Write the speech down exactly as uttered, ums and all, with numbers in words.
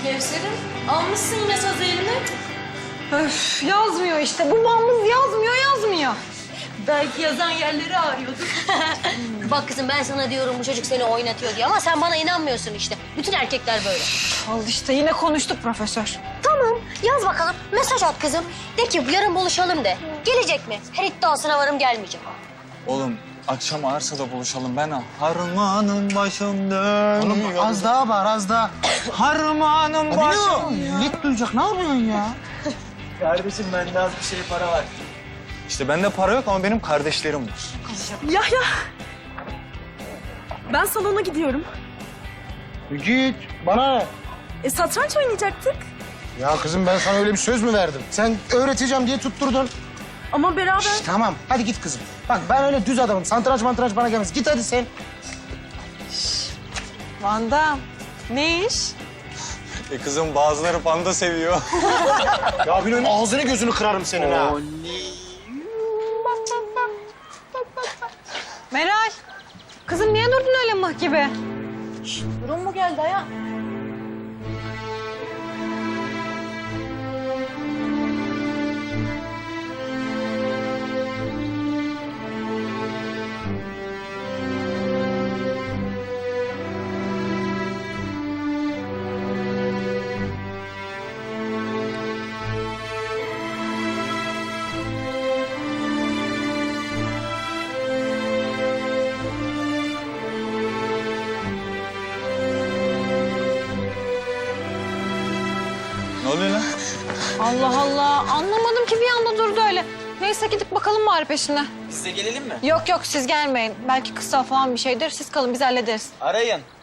Kevser'im, almışsın yine sazı eline. Öf, yazmıyor işte. Bu bambız yazmıyor, yazmıyor. Belki yazan yerleri ağrıyordur. Bak kızım ben sana diyorum bu çocuk seni oynatıyor diye ama sen bana inanmıyorsun işte. Bütün erkekler böyle. Al işte yine konuştuk profesör. Tamam yaz bakalım mesaj at kızım. De ki yarın buluşalım de. Gelecek mi? Her iddiasına varım gelmeyecek. Oğlum akşam Arsa'da buluşalım. Ben harmanın başında. Oğlum az daha var, az daha. Harmanın Abi başında. ne o? Millet duyacak. Ne yapıyorsun ya? Kardeşim bende az bir şey para var. İşte bende para yok ama benim kardeşlerim var. Yahya, ben salona gidiyorum. Git. Bana ne? E, satranç oynayacaktık. Ya kızım ben sana öyle bir söz mü verdim? Sen öğreteceğim diye tutturdun. Ama beraber... Şişt, tamam hadi git kızım. Bak ben öyle düz adamım. Satranç mantranç bana gelmez. Git hadi sen. Vanda, ne iş? E kızım bazıları panda seviyor. Ya benim ağzını gözünü kırarım senin ha. Meral, kızım niye durdun öyle mıh gibi? Durum mu geldi Aya? Ne oluyor lan? Allah Allah, anlamadım ki bir anda durdu öyle. Neyse gidip bakalım bari peşine. Size gelelim mi? Yok yok siz gelmeyin. Belki kısa falan bir şeydir. Siz kalın biz hallederiz. Arayın.